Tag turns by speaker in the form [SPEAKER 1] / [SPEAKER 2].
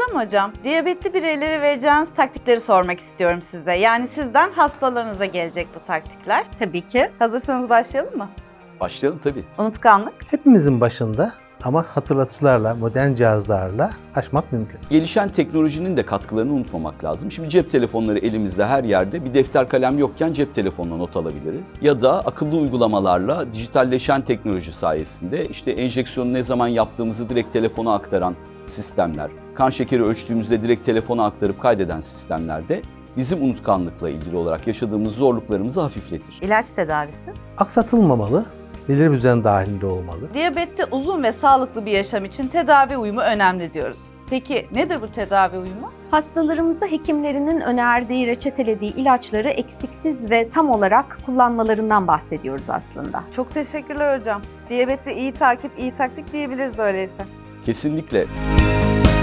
[SPEAKER 1] Başlayalım hocam. Diyabetli bireylere vereceğiniz taktikleri sormak istiyorum size. Yani sizden hastalarınıza gelecek bu taktikler.
[SPEAKER 2] Tabii ki.
[SPEAKER 1] Hazırsanız başlayalım mı?
[SPEAKER 3] Başlayalım tabii.
[SPEAKER 1] Unutkanlık.
[SPEAKER 4] Hepimizin başında ama hatırlatıcılarla, modern cihazlarla aşmak mümkün.
[SPEAKER 3] Gelişen teknolojinin de katkılarını unutmamak lazım. Şimdi cep telefonları elimizde her yerde. Bir defter kalem yokken cep telefonuna not alabiliriz. Ya da akıllı uygulamalarla dijitalleşen teknoloji sayesinde işte enjeksiyonu ne zaman yaptığımızı direkt telefona aktaran sistemler, kan şekeri ölçtüğümüzde direkt telefona aktarıp kaydeden sistemlerde bizim unutkanlıkla ilgili olarak yaşadığımız zorluklarımızı hafifletir.
[SPEAKER 1] İlaç tedavisi.
[SPEAKER 4] Aksatılmamalı, belirli bir düzen dahilinde olmalı.
[SPEAKER 1] Diyabette uzun ve sağlıklı bir yaşam için tedavi uyumu önemli diyoruz. Peki nedir bu tedavi uyumu?
[SPEAKER 2] Hastalarımıza hekimlerinin önerdiği, reçetelediği ilaçları eksiksiz ve tam olarak kullanmalarından bahsediyoruz aslında.
[SPEAKER 1] Çok teşekkürler hocam. Diyabette iyi takip, iyi taktik diyebiliriz öyleyse.
[SPEAKER 3] Kesinlikle.